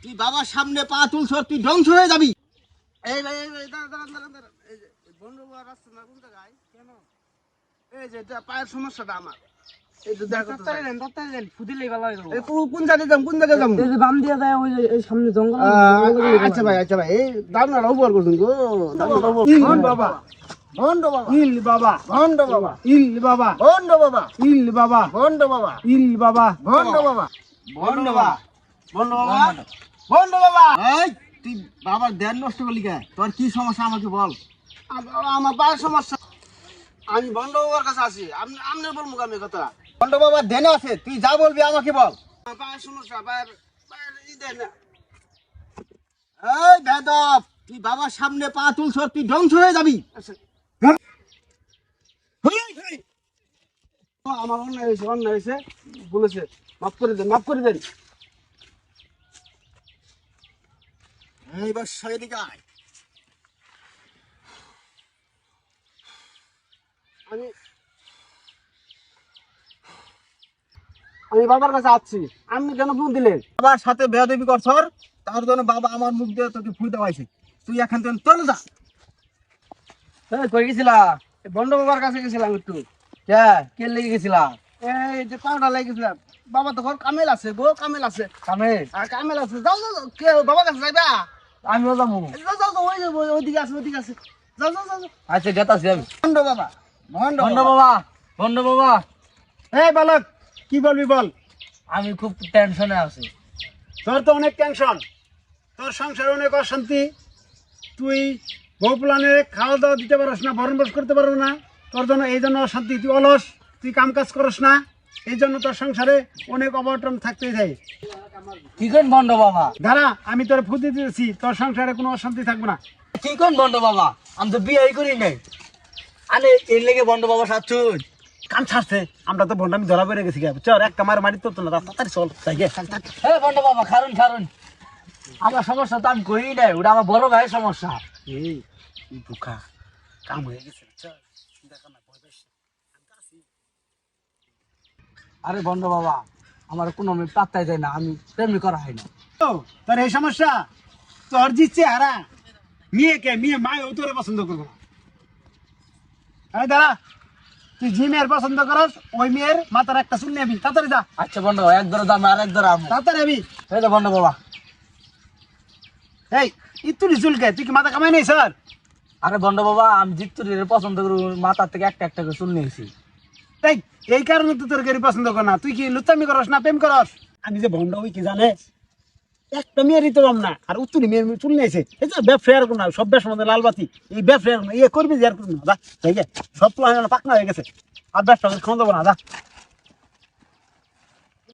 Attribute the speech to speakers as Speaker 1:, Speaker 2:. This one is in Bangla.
Speaker 1: তুই বাবার সামনে পা তুলছর, তুই ধ্বংস হয়ে যাবি। এই ভাই, এই ভাই, দাঁড়ান। এই যে বন্ধু বাবার রাস্তা না কোন জায়গায়? কেন? এই যে এটা পায়ের সমস্যাটা আমার। এই তো দেখো তো।
Speaker 2: তাড়াতাড়ি দেন ফুদিলেই ভালো হয়ে যাবে।
Speaker 1: এই কোন জায়গায় যাম, কোন জায়গায় যাম?
Speaker 2: এই যে বাম দিয়ে যায় ওই যে এই সামনে জঙ্গল
Speaker 1: আচ্ছা ভাই, এই দামনাটা উপর করছেন গো।
Speaker 2: ইল বাবা
Speaker 1: ভন্ড বাবা,
Speaker 2: ইল বাবা
Speaker 1: ভন্ড বাবা,
Speaker 2: ইল বাবা
Speaker 1: ভন্ড বাবা,
Speaker 2: ইল বাবা
Speaker 1: ভন্ড বাবা,
Speaker 2: ইল বাবা
Speaker 1: ভন্ড বাবা, ভন্ড বাবা, ভন্ড বাবা, ভন্ড বাবা। এই তুই বাবার ধ্যান নষ্ট করলি কে? তোর কি সমস্যা আমাকে বল। আমার পায়ের সমস্যা। আমি ভন্ড বাবার কাছে আছি। আপনি বলবো আমি কথা। ভন্ড বাবার ধ্যান আছে, তুই যা বলবি আমাকে বল। আমার পায়ের সমস্যা, পায়ের ই দেন না। এই বেদব, তুই বাবার সামনে পা তুলছর, তুই ধ্বংস হয়ে যাবি। আমার অন্যায় হয়েছে বলেছে, মাফ করে দেন। এইবার সেদিকে আয়। আমি বাবার কাছে আসছি। আপনি কেন ফোন দিলেন? বাবার সাথে বেয়াদবি করছর, তার জন্য বাবা আমার মুখ দিয়ে তোকে ফুল দেওয়াইছে। তুই এখান থেকে চলে যা।
Speaker 2: কই গেছিলা?
Speaker 1: বন্ড বাবার কাছে গেছিলাম একটু।
Speaker 2: কে লেগে গেছিলা?
Speaker 1: এই যে পাউডার লাগিয়েছিলাম। বাবা তো ঘর কামেল আছে গো, কামেল আছে।
Speaker 2: কামে
Speaker 1: কামেল আছে। যাও কে বাবার কাছে যাইবা?
Speaker 2: আমিও যাবো।
Speaker 1: যাও ওইদিকে আছে। যাও।
Speaker 2: আচ্ছা গেতাছি আমি।
Speaker 1: বন্ড বাবা,
Speaker 2: বন্ধ বাবা
Speaker 1: এই বালক, কি বলবি বল।
Speaker 2: আমি খুব টেনশনে আছি।
Speaker 1: তোর তো অনেক টেনশন, তোর সংসারে অনেক অশান্তি। তুই বউ প্লানে খাওয়া দাওয়া দিতে পারস না, ভরণ পোষ করতে পারো না। তোর জন্য এই জন্য অশান্তি। তুই অলস, তুই কাম কাজ করস না। এই জন্য তোর সংসারে অনেক অবটন থাকতেই যায়।
Speaker 2: কি কোন বন্ধ বাবা?
Speaker 1: দাঁড়া, আমি তোর ফুদি দিয়েছি, তোর সংসারে কোনো অশান্তি থাকবে না।
Speaker 2: কি কোন বন্ধ বাবা? আমি তো বিয়ে করি নাই। আরে এর লেগে বন্ধ বাবা সাচ্ছুন
Speaker 1: কাম ছাড়ছে, আমরা তো বন্ড আমি ধরা পড়ে গেছি। চল এক কামার মারি তো না, তাড়াতাড়ি চল যাই গে।
Speaker 2: হ্যাঁ বন্ধ বাবা খারুন আমার সমস্যা তো আমি করি নাই, ওটা আমার বড় ভাইয়ের সমস্যা।
Speaker 1: এই বোকা, কাম হয়ে গেছে। চল দেখো না, ভয় পাইস না।
Speaker 2: আরে বন্ধ বাবা, আমার কোনো মেয়ে পাত্তাই দেয় না, আমি তেমনি করা হয় না।
Speaker 1: ও, তোর এই সমস্যা? তোর জিতছে হারা মেয়ে মায় ও তোরে পছন্দ করবো না। এই দাঁড়া, তুই যে মেয়ের পছন্দ করস ওই মেয়ের মাথার একটা চুল নিবি। তাড়াতাড়ি যা।
Speaker 2: আচ্ছা বন্ধ বাবা, এক ধরে দাম আর এক ধরে আমি।
Speaker 1: তাড়াতাড়ি আবি।
Speaker 2: এই তো বন্ধ বাবা।
Speaker 1: এই ইতুরি চুলকে তুই কি মাথা কামাই নেই স্যার?
Speaker 2: আরে বন্ধ বাবা, আমি জিত্তুরির পছন্দ করি, মাথার থেকে একটা করে চুল নিয়েছি।
Speaker 1: এই কারণে তো তোর গাড়ি পছন্দ কর না। তুই কি লুচ্চামি করস না প্রেম করস? আমি যে ভন্ড হই কি জানে, একটা মেয়েরই তো পাম না, আর উত্তরি মেয়ের চুল নিয়েছে। এই যে ব্যবসায়ের কোনো সব ব্যবসার মধ্যে লালবাতি, এই ব্যবসায়ের ইয়ে করবি যে আর করবি না। যা সব পাকনা হয়ে গেছে, আর ব্যবসা ক্ষমতা না। যা।